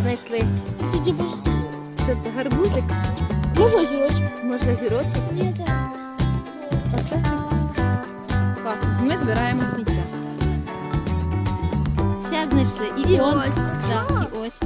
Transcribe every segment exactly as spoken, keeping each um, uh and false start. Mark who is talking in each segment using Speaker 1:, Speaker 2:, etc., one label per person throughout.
Speaker 1: знайшли?
Speaker 2: Це типу.
Speaker 1: Що це, гарбузик?
Speaker 2: Може огірочок?
Speaker 1: Може огірочок?
Speaker 2: Ні, це.
Speaker 1: Оце? Класно, ми збираємо сміття. Ще знайшли. І,
Speaker 2: І
Speaker 1: он.
Speaker 2: ось.
Speaker 1: Так, і ось.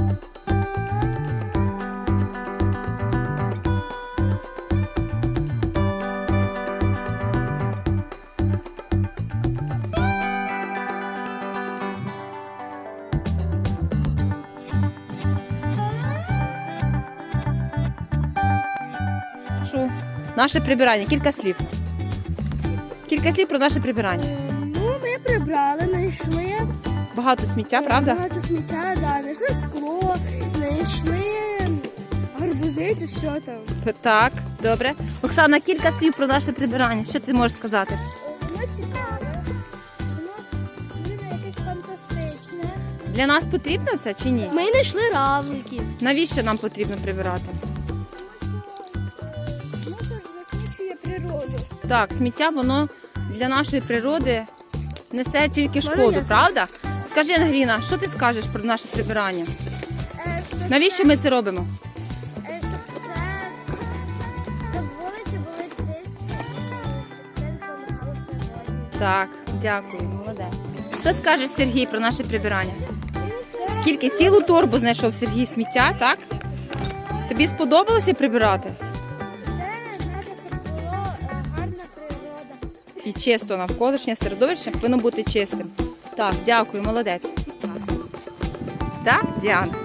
Speaker 1: Що? Наше прибирання. Кілька слів. Кілька слів про наше прибирання.
Speaker 2: Ну, ми прибрали, знайшли.
Speaker 1: Багато сміття, правда?
Speaker 2: Багато сміття, да. Знайшли скло, знайшли гарбузи чи що там.
Speaker 1: Так, добре. Оксана, кілька слів про наше прибирання. Що ти можеш сказати?
Speaker 2: Воно цікаве, воно якесь фантастичне.
Speaker 1: Для нас потрібно це чи ні?
Speaker 2: Ми знайшли равликів.
Speaker 1: Навіщо нам потрібно прибирати?
Speaker 2: Воно засмічує природу.
Speaker 1: Так, сміття, воно для нашої природи несе тільки
Speaker 2: Воно
Speaker 1: шкоду,
Speaker 2: ясно.
Speaker 1: правда? Скажи, Ангеліна, що ти скажеш про наше прибирання? Навіщо ми це робимо?
Speaker 2: Щоб це, щоб вулиці були чисті, щоб це допомагало природі.
Speaker 1: Так, дякую, молодець. Що скажеш, Сергій, про наше прибирання? Скільки? Цілу торбу знайшов Сергій сміття, так? Тобі сподобалося прибирати?
Speaker 2: Це треба, щоб була гарна природа.
Speaker 1: І чисто навколишнє середовище повинно бути чистим. Так, дякую, молодець. Так, Діана?